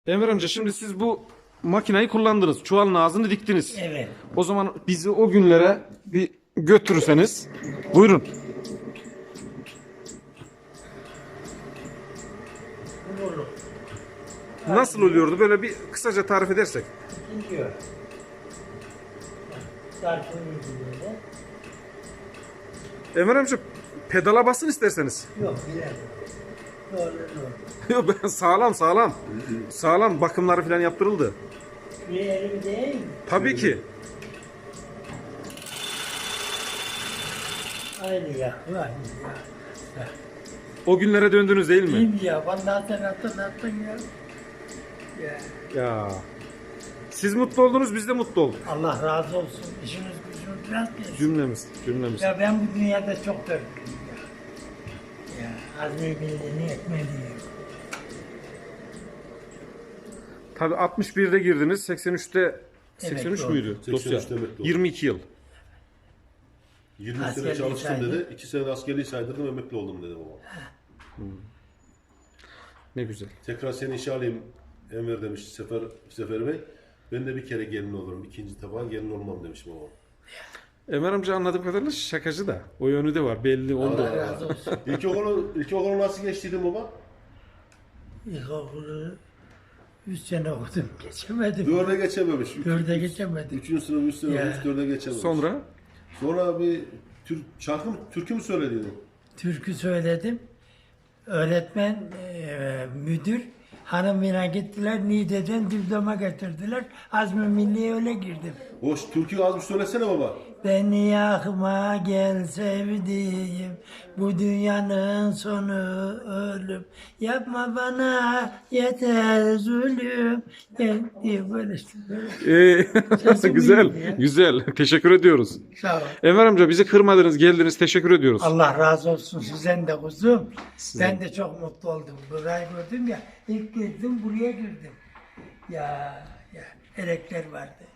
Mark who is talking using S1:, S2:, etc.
S1: Enver amca şimdi siz bu makinayı kullandınız. Çuvalın ağzını diktiniz.
S2: Evet.
S1: O zaman bizi o günlere bir götürürseniz. Buyurun.
S2: Olur.
S1: Nasıl oluyordu? Böyle bir kısaca tarif edersek.
S2: Gidiyor. Sarkın böyle.
S1: Enver amca pedala basın isterseniz.
S2: Yok bilemedim. Doğru.
S1: Yok ben sağlam sağlam. Sağlam bakımları falan yaptırıldı.
S2: Bir elim değil mi?
S1: Tabii ki.
S2: Aynı ya. Aynı ya.
S1: O günlere döndünüz değil mi?
S2: Değil ya? Vallahi sen hatırlattın ya. Ya.
S1: Ya. Siz mutlu oldunuz, biz de mutlu olduk.
S2: Allah razı olsun. İşiniz gücünüz biraz gelsin.
S1: Cümlemiz.
S2: Ya ben bu dünyada çok dörtlüyüm ya. Ya azmi bildiğini etmeliyim.
S1: Tabii 61'de girdiniz, 83'te 83
S2: doğru.
S1: müydü?
S3: 83'te
S1: Dosya.
S3: emekli oldum.
S1: 22 yıl.
S3: 20 sene
S2: Askerliği
S3: çalıştım
S2: saydı.
S3: dedi. 2 sene askerliği saydırdım, emekli oldum dedi babam.
S1: Ne güzel.
S3: Tekrar seni işe alayım Enver demiş Sefer Bey. Ben de bir kere gelin olurum. İkinci defa gelin olmam demiş babam.
S1: Ömer amca anladığım kadarıyla şakacı da. O yönü de var. Belli oldu.
S2: Allah razı olsun.
S3: İlkokulu nasıl geçtiydin baba?
S2: İlkokulu 3 sene okudum. Geçemedim.
S3: 4'e geçememiş.
S2: 4'e geçemedim.
S3: 3. sınıf 3 sene
S2: Ya.
S3: olmuş 4'e geçememiş.
S1: Sonra
S3: bir türkü mü söylediydin?
S2: Türkü söyledim. Öğretmen, müdür hanımına gittiler. Niğde'den diploma getirdiler. Azmi Milli'ye öyle girdim.
S3: O türküyü az bir söylesene baba.
S2: Beni yakma gel sevdiğim, bu dünyanın sonu ölüm. Yapma bana yeter zulüm. Gel diye böyle işte. Sesim
S1: güzel.
S2: iyi ya.
S1: Güzel. Teşekkür ediyoruz.
S2: Sağ ol.
S1: Enver amca bizi kırmadınız, geldiniz. Teşekkür ediyoruz.
S2: Allah razı olsun sizden de kuzum. Ben de çok mutlu oldum. Burayı gördüm ya. İlk girdim buraya girdim. Ya elekler vardı.